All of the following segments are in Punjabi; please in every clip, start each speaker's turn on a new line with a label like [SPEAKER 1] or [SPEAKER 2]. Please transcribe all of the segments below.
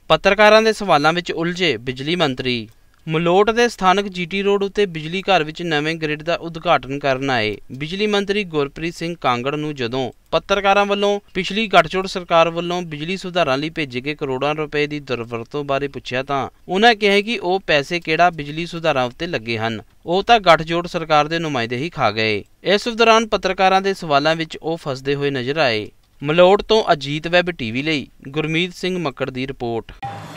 [SPEAKER 1] ਪੱਤਰਕਾਰਾਂ ਦੇ ਸਵਾਲਾਂ ਵਿੱਚ ਉਲਝੇ ਬਿਜਲੀ ਮੰਤਰੀ। ਮਲੋਟ ਦੇ ਸਥਾਨਕ GT ਰੋਡ ਉੱਤੇ ਬਿਜਲੀ ਘਰ ਵਿੱਚ ਨਵੇਂ ਗ੍ਰਿਡ ਦਾ ਉਦਘਾਟਨ ਕਰਨ ਆਏ ਬਿਜਲੀ ਮੰਤਰੀ ਗੁਰਪ੍ਰੀਤ ਸਿੰਘ ਕਾਂਗੜ ਨੂੰ ਜਦੋਂ ਪੱਤਰਕਾਰਾਂ ਵੱਲੋਂ ਪਿਛਲੀ ਗੱਠਜੋੜ ਸਰਕਾਰ ਵੱਲੋਂ ਬਿਜਲੀ ਸੁਧਾਰਾਂ ਲਈ ਭੇਜੇ ਗਏ ਕਰੋੜਾਂ ਰੁਪਏ ਦੀ ਦੁਰਵਰਤੋਂ ਬਾਰੇ ਪੁੱਛਿਆ ਤਾਂ ਉਨ੍ਹਾਂ ਕਿਹਾ ਕਿ ਉਹ ਪੈਸੇ ਕਿਹੜਾ ਬਿਜਲੀ ਸੁਧਾਰਾਂ ਉੱਤੇ ਲੱਗੇ ਹਨ, ਉਹ ਤਾਂ ਗੱਠਜੋੜ ਸਰਕਾਰ ਦੇ ਨੁਮਾਇੰਦੇ ਹੀ ਖਾ ਗਏ। ਇਸ ਦੌਰਾਨ ਪੱਤਰਕਾਰਾਂ ਦੇ ਸਵਾਲਾਂ ਵਿੱਚ ਉਹ ਫਸਦੇ ਹੋਏ ਨਜ਼ਰ ਆਏ। ਮਲੋਟ ਤੋਂ ਅਜੀਤ ਵੈਬ TV ਲਈ ਗੁਰਮੀਤ ਸਿੰਘ ਮੱਕੜ ਦੀ ਰਿਪੋਰਟ।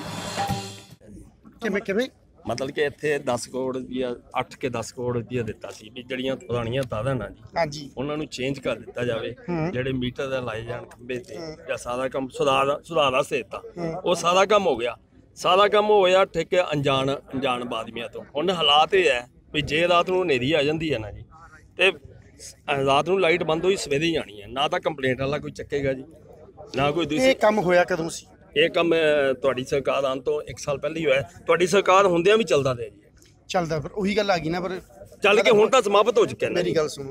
[SPEAKER 2] ਕਿਵੇਂ मतलब कि इत्थे 10 करोड़ रुपया 8 के 10 करोड़ रुपया दिता सी भी जड़ियां पुरानियां तादां ना जी उन्हां नूं चेंज कर दिता जावे, जेड़े मीटर दा लाए जाण खंबे ते या सारा काम सुधार वास्ते दिता वो सारा काम हो गया। सारा काम होया ठेके अनजान आदमियां तो। हुण हालात ये है भी जे रात नूं हनेरी आ जांदी है ना जी ते रात नूं लाइट बंद होई सवेरे ही आनी है, ना तां कंप्लेंट वाला कोई चक्केगा जी ना कोई दूसरी। ये काम होया कदों सी? ਇਹ ਕੰਮ ਤੁਹਾਡੀ ਸਰਕਾਰ ਆਉਣ ਤੋਂ 1 ਸਾਲ ਪਹਿਲਾਂ ਹੀ ਹੋਇਆ। ਤੁਹਾਡੀ ਸਰਕਾਰ ਹੁੰਦਿਆਂ ਵੀ ਚੱਲਦਾ ਰਿਹਾ ਜੀ। ਚੱਲਦਾ ਫਿਰ ਉਹੀ ਗੱਲ ਆ ਗਈ ਨਾ, ਪਰ ਚੱਲ ਕੇ ਹੁਣ ਤਾਂ ਸਮਾਪਤ ਹੋ ਚੁੱਕਿਆ। ਮੇਰੀ ਗੱਲ ਸੁਣੋ,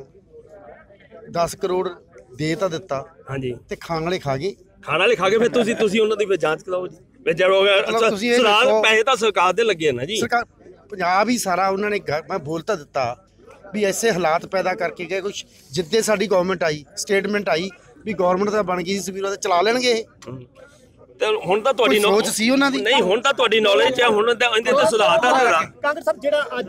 [SPEAKER 2] 10 ਕਰੋੜ ਦੇ ਤਾਂ ਦਿੱਤਾ ਹਾਂਜੀ ਤੇ ਖਾਣ ਵਾਲੇ ਖਾ ਗਏ। ਖਾਣ ਵਾਲੇ ਖਾ ਗਏ ਫਿਰ ਤੁਸੀਂ ਉਹਨਾਂ ਦੀ ਫਿਰ ਜਾਂਚ ਕਰਾਓ ਜੀ। ਫਿਰ ਜਦੋਂ ਪੈਸੇ ਤਾਂ ਸਰਕਾਰ ਦੇ ਲੱਗੇ ਨਾ ਜੀ। ਸਰਕਾਰ ਪੰਜਾਬ ਹੀ ਸਾਰਾ ਉਹਨਾਂ ਨੇ ਮੈਂ ਬੋਲ ਤਾਂ ਦਿੱਤਾ ਵੀ ਐਸੇ ਹਾਲਾਤ ਪੈਦਾ ਕਰਕੇ ਗਏ ਕੁਛ। ਜਿੱਦੇ ਸਾਡੀ ਗਵਰਨਮੈਂਟ ਆਈ ਸਟੇਟਮੈਂਟ ਆਈ ਵੀ ਗਵਰਨਮੈਂਟ ਤਾਂ ਬਣ ਗਈ ਸੀ ਵੀ ਉਹਦਾ ਚਲਾ ਲੈਣਗੇ ਇਹ। ਤੇ ਹੁਣ ਤਾਂ ਤੁਹਾਡੀ ਸੋਚ ਸੀ ਉਹਨਾਂ ਦੀ ਨਹੀਂ, ਹੁਣ ਤਾਂ ਤੁਹਾਡੀ ਨੌਲੇਜ ਹੈ, ਹੁਣ ਤਾਂ ਇਹਦੇ ਤੇ ਸੁਧਾਰ ਤਾਂ ਹੋਣਾ।
[SPEAKER 3] ਕਾਂਗੜ ਸਾਹਿਬ ਜਿਹੜਾ ਅੱਜ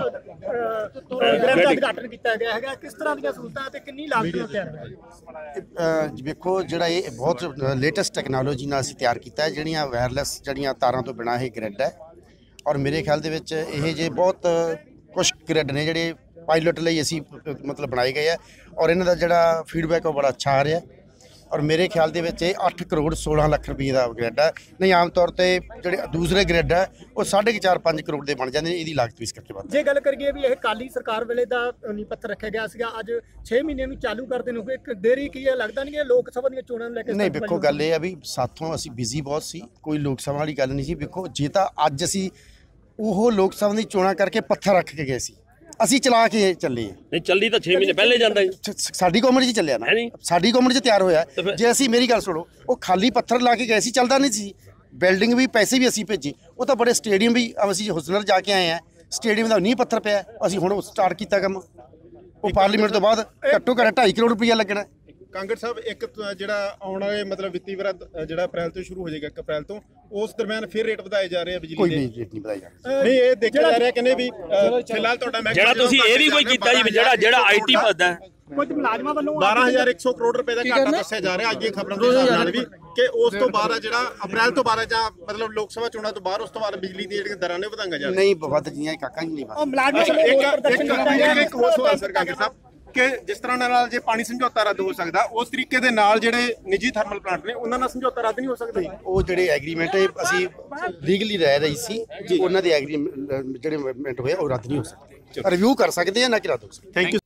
[SPEAKER 3] ਗ੍ਰਿਡ ਦਾ ਉਦਘਾਟਨ ਕੀਤਾ ਗਿਆ ਹੈਗਾ, ਕਿਸ ਤਰ੍ਹਾਂ ਦੀਆਂ ਸਹੂਲਤਾਂ ਤੇ ਕਿੰਨੀ ਲਾਗਤ ਨਾਲ ਤਿਆਰ ਹੋਇਆ?
[SPEAKER 4] ਵੇਖੋ ਜਿਹੜਾ ਇਹ ਬਹੁਤ ਲੇਟੈਸਟ ਟੈਕਨੋਲੋਜੀ ਨਾਲ ਅਸੀਂ ਤਿਆਰ ਕੀਤਾ ਹੈ, ਜਿਹੜੀਆਂ ਵਾਇਰਲੈਸ ਜਿਹੜੀਆਂ ਤਾਰਾਂ ਤੋਂ ਬਿਨਾਂ ਇਹ ਗ੍ਰਿਡ ਹੈ। ਔਰ ਮੇਰੇ ਖਿਆਲ ਦੇ ਵਿੱਚ ਇਹ ਜੇ ਬਹੁਤ ਕੁਛ ਗ੍ਰਿਡ ਨੇ ਜਿਹੜੇ ਪਾਇਲਟ ਲਈ ਅਸੀਂ ਮਤਲਬ ਬਣਾਏ ਗਏ ਆ ਔਰ ਇਹਨਾਂ ਦਾ ਜਿਹੜਾ ਫੀਡਬੈਕ ਉਹ ਬੜਾ ਅੱਛਾ ਆ ਰਿਹਾ। ਔਰ ਮੇਰੇ ਖਿਆਲ ਦੇ ਵਿੱਚ ਇਹ 8 ਕਰੋੜ 16 ਲੱਖ ਰੁਪਏ ਦਾ ਗ੍ਰਿਡ ਹੈ। ਨਹੀਂ ਆਮ ਤੌਰ ਤੇ ਜਿਹੜੇ ਦੂਸਰੇ ਗ੍ਰਿਡ ਹੈ ਉਹ 4.5 ਕਰੋੜ ਦੇ ਬਣ ਜਾਂਦੇ ਨੇ, ਇਹਦੀ ਲਾਗਤ ਵੀ ਇਸ ਕਰਕੇ ਵੱਧ।
[SPEAKER 3] ਜੇ ਗੱਲ ਕਰੀਏ ਵੀ ਇਹ ਕਾਲੀ ਸਰਕਾਰ ਵੇਲੇ ਦਾ ਨੀਂਹ ਪੱਥਰ ਰੱਖਿਆ ਗਿਆ ਸੀਗਾ, ਅੱਜ 6 ਮਹੀਨੇ ਨੂੰ ਚਾਲੂ ਕਰਦੇ ਨੂੰ ਇੱਕ ਦੇਰੀ ਕੀ ਹੈ? ਲੱਗਦਾ ਨਹੀਂ ਇਹ ਲੋਕ ਸਭਾ ਦੀਆਂ ਚੋਣਾਂ ਨੂੰ ਲੈ ਕੇ?
[SPEAKER 4] ਨਹੀਂ ਵੇਖੋ ਗੱਲ ਇਹ ਆ ਵੀ ਸਾਥੋਂ ਅਸੀਂ ਬਿਜ਼ੀ ਬਹੁਤ ਸੀ, ਕੋਈ ਲੋਕ ਸਭਾ ਵਾਲੀ ਗੱਲ ਨਹੀਂ ਸੀ। ਵੇਖੋ ਜੇ ਤਾਂ ਅੱਜ ਅਸੀਂ ਉਹ ਲੋਕ ਸਭਾ ਦੀ ਚੋਣਾਂ ਕਰਕੇ ਪੱਥਰ ਰੱਖ ਕੇ ਗਏ ਸੀ, ਅਸੀਂ ਚਲਾ ਕੇ ਚੱਲੇ ਆ।
[SPEAKER 2] ਨਹੀਂ ਚੱਲੀ ਤਾਂ 6 ਮਹੀਨੇ ਪਹਿਲੇ ਜਾਂਦਾ ਜੀ।
[SPEAKER 4] ਸਾਡੀ ਗਵਰਨਮੈਂਟ 'ਚ ਚੱਲਿਆ ਨਾ, ਸਾਡੀ ਗਵਰਨਮੈਂਟ 'ਚ ਤਿਆਰ ਹੋਇਆ। ਜੇ ਅਸੀਂ ਮੇਰੀ ਗੱਲ ਸੁਣੋ, ਉਹ ਖਾਲੀ ਪੱਥਰ ਲਾ ਕੇ ਗਏ ਸੀ, ਚੱਲਦਾ ਨਹੀਂ ਸੀ। ਬਿਲਡਿੰਗ ਵੀ ਪੈਸੇ ਵੀ ਅਸੀਂ ਭੇਜੇ, ਉਹ ਤਾਂ ਬੜੇ ਸਟੇਡੀਅਮ ਵੀ ਅਸੀਂ ਹੁਸਨਰ ਜਾ ਕੇ ਆਏ ਆ, ਸਟੇਡੀਅਮ ਦਾ ਨੀਂਹ ਪੱਥਰ ਪਿਆ, ਅਸੀਂ ਹੁਣ ਸਟਾਰਟ ਕੀਤਾ ਕੰਮ। ਉਹ ਪਾਰਲੀਮੈਂਟ ਤੋਂ ਬਾਅਦ ਘੱਟੋ ਘੱਟ 2.5 ਕਰੋੜ ਰੁਪਈਆ ਲੱਗਣਾ।
[SPEAKER 5] ਕਾਂਗੜ ਸਾਹਿਬ ਇੱਕ ਜਿਹੜਾ ਆਉਣ ਵਾਲੇ ਮਤਲਬ ਵਿੱਤੀ ਵਰ੍ਹਾ ਜਿਹੜਾ ਅਪ੍ਰੈਲ ਤੋਂ ਸ਼ੁਰੂ ਹੋ ਜਾਏਗਾ 1 ਅਪ੍ਰੈਲ ਤੋਂ, ਉਸ ਦਰਮਿਆਨ ਫਿਰ ਰੇਟ ਵਧਾਏ ਜਾ ਰਹੇ ਆ ਬਿਜਲੀ ਦੇ?
[SPEAKER 4] ਕੋਈ ਰੇਟ ਨਹੀਂ ਵਧਾਏ ਜਾ ਰਹੇ।
[SPEAKER 5] ਨਹੀਂ ਇਹ ਦੇਖਿਆ ਜਾ ਰਿਹਾ ਕਹਿੰਦੇ ਵੀ ਫਿਲਹਾਲ ਤੁਹਾਡਾ
[SPEAKER 2] ਜਿਹੜਾ ਤੁਸੀਂ ਇਹ ਵੀ ਕੋਈ ਕੀਤਾ ਜੀ ਜਿਹੜਾ IT ਭਰਦਾ
[SPEAKER 3] ਕੁਝ ਮੁਲਾਜ਼ਮਾਂ ਵੱਲੋਂ
[SPEAKER 5] 12100 ਕਰੋੜ ਰੁਪਏ ਦਾ ਘਾਟਾ ਦੱਸਿਆ ਜਾ ਰਿਹਾ ਅੱਜ ਦੀਆਂ ਖਬਰਾਂ ਦੇ ਹਿਸਾਬ ਨਾਲ ਵੀ, ਕਿ ਉਸ ਤੋਂ ਬਾਅਦ ਜਿਹੜਾ ਅਪ੍ਰੈਲ ਤੋਂ ਬਾਅਦ ਜਾਂ ਮਤਲਬ ਲੋਕ ਸਭਾ ਚੋਣਾਂ ਤੋਂ ਬਾਅਦ ਉਸ ਤੋਂ ਬਾਅਦ ਬਿਜਲੀ ਦੀਆਂ ਜਿਹੜੀਆਂ ਦਰਾਂ ਨੇ ਵਧਾਈਆਂ ਜਾ ਰਹੀਆਂ।
[SPEAKER 4] ਨਹੀਂ ਵੱਧ ਜੀਆਂ ਕਾਕਾ ਜੀ ਨਹੀਂ
[SPEAKER 3] ਉਹ ਮੁਲਾਜ਼ਮਾਂ
[SPEAKER 5] ਇੱਕ ਹੋਰ ਸਵਾਲ ਸਰ ਕਾਂਗੜ ਸਾਹਿਬ ਕਿ ਜਿਸ ਤਰ੍ਹਾਂ ਨਾਲ ਜੇ ਪਾਣੀ ਸਮਝੌਤਾ ਰੱਦ ਹੋ ਸਕਦਾ, ਉਸ ਤਰੀਕੇ ਦੇ ਨਾਲ ਜਿਹੜੇ ਨਿੱਜੀ ਥਰਮਲ ਪਲਾਂਟ ਨੇ ਉਹਨਾਂ ਨਾਲ ਸਮਝੌਤਾ ਰੱਦ ਨਹੀਂ ਹੋ ਸਕਦਾ?
[SPEAKER 4] ਉਹ ਜਿਹੜੇ ਐਗਰੀਮੈਂਟ ਅਸੀਂ ਲੀਗਲੀ ਰਹਿ ਰਹੀ ਸੀ, ਉਹਨਾਂ ਦੇ ਐਗਰੀਮੈਂਟ ਜਿਹੜੇ ਹੋਏ ਉਹ ਰੱਦ ਨਹੀਂ ਹੋ ਸਕਦੇ। ਰਿਵਿਊ ਕਰ ਸਕਦੇ ਆ, ਨਾ ਕਿ ਰੱਦ ਹੋ ਸਕਦੇ।
[SPEAKER 5] Thank you.